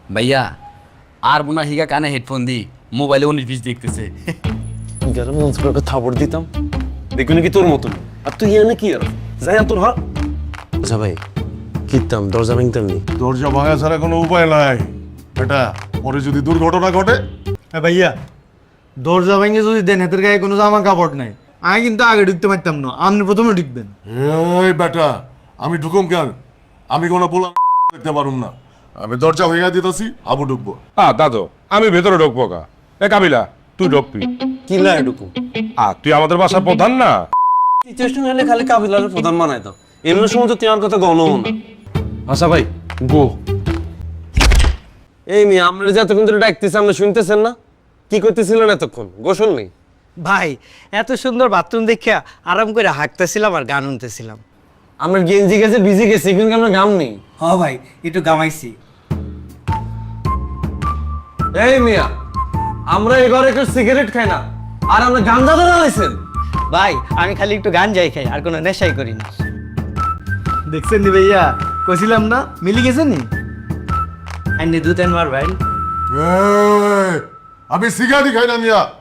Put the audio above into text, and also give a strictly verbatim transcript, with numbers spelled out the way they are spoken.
ভাইয়া আর মনে হয় হিগা কানে হেডফোন দি মোবাইলে উনিশ বিশ দেখতেছে। গেলাম করে থাপড় দিতাম দেখবি নাকি তোর মতন। আর তুই এনে কি আর যাই তোর হাত। আচ্ছা ভাই কিতাম দরজা ভাঙতাম নি। দরজা ভাঙা ছাড়া কোনো উপায় নাই বেটা, পরে যদি দুর্ঘটনা ঘটে। হ্যাঁ ভাইয়া, দরজা ভেঙে যদি দেন হাতের গায়ে কোনো জামা কাপড় নাই, আমি কিন্তু আগে ঢুকতে পারতাম না, আপনি প্রথমে ঢুকবেন। এই বেটা, আমি ঢুকুম কেন? আমি কোনো বলা দেখতে পারুম না। আমি দরজা ভেঙে দিতেছি, আবু ঢুকবো। হ্যাঁ দাদু আমি ভেতরে ঢুকবো কা। এ কাবিলা তুই ঢুকবি। কি লাই ঢুকু আ তুই আমাদের বাসার প্রধান না। সিচুয়েশন হলে খালি কাবিলার প্রধান বানাই দাও, এমন সময় তো তোমার কথা গণও না। আচ্ছা ভাই গো। এই মেয়ে আমরা যে এতক্ষণ ধরে ডাকতেছি আমরা শুনতেছেন না? কি করতেছিলেন এতক্ষণ? গোসল নেই ভাই, এত সুন্দর বাথরুম দেখে আরাম করে হাঁকতেছিলাম আর গান শুনতেছিলাম। আমরা গেঞ্জি গেছে ভিজে গেছি কিন্তু আমরা গাম নেই। হ ভাই, একটু গামাইছি। এই মিয়া আমরা এই ঘরে একটু সিগারেট খাই না আর আমরা গাঞ্জা ধরে লাইছেন। ভাই আমি খালি একটু গান যাই খাই, আর কোনো নেশাই করি না। দেখছেন নি ভাইয়া, কছিলাম না মিলি গেছেন নি। আইনি দু তিনবার ভাই। এই, আমি সিগারেট খাই না মিয়া।